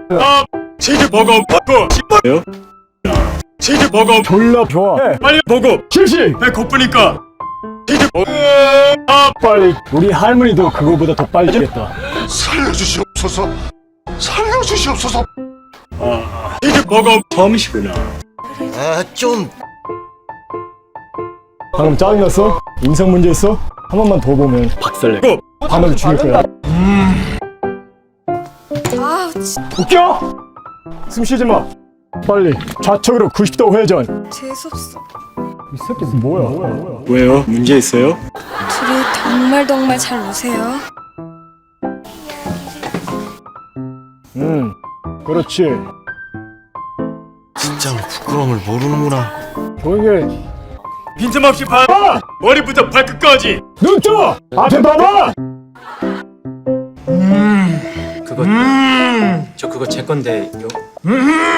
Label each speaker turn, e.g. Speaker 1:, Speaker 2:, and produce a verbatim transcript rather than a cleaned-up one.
Speaker 1: 아, 치즈버거 먹고 싶어요? 치즈버거
Speaker 2: 졸라 좋아. 해.
Speaker 1: 빨리 먹어.
Speaker 2: 실시.
Speaker 1: 배 고프니까 치즈버거. 아,
Speaker 2: 빨리. 우리 할머니도 그거보다 더 빨리 주겠다.
Speaker 3: 살려주시옵소서. 살려주시옵소서.
Speaker 1: 치즈버거 처음이시구나.
Speaker 3: 아, 좀
Speaker 2: 방금 짜증났어? 인성 문제 있어? 한 번만 더 보면 박살내. 반으로 죽일 거야.
Speaker 4: 아, 진짜
Speaker 2: 웃겨? 숨 쉬지 마. 빨리 좌측으로 구십 도 회전.
Speaker 4: 재수없어.
Speaker 2: 이 새끼 뭐야? 뭐야? 뭐야?
Speaker 1: 왜요? 문제 있어요?
Speaker 4: 둘이 정말 정말 잘 노세요.
Speaker 2: 음, 그렇지.
Speaker 3: 진짜로 부끄러움을 모르는구나.
Speaker 2: 조용히.
Speaker 1: 빈틈없이 봐.
Speaker 2: 봐!
Speaker 1: 머리부터 발끝까지.
Speaker 2: 눈 떠! 앞에 봐봐!
Speaker 5: 그거 저 그거 제 건데요.
Speaker 1: 음.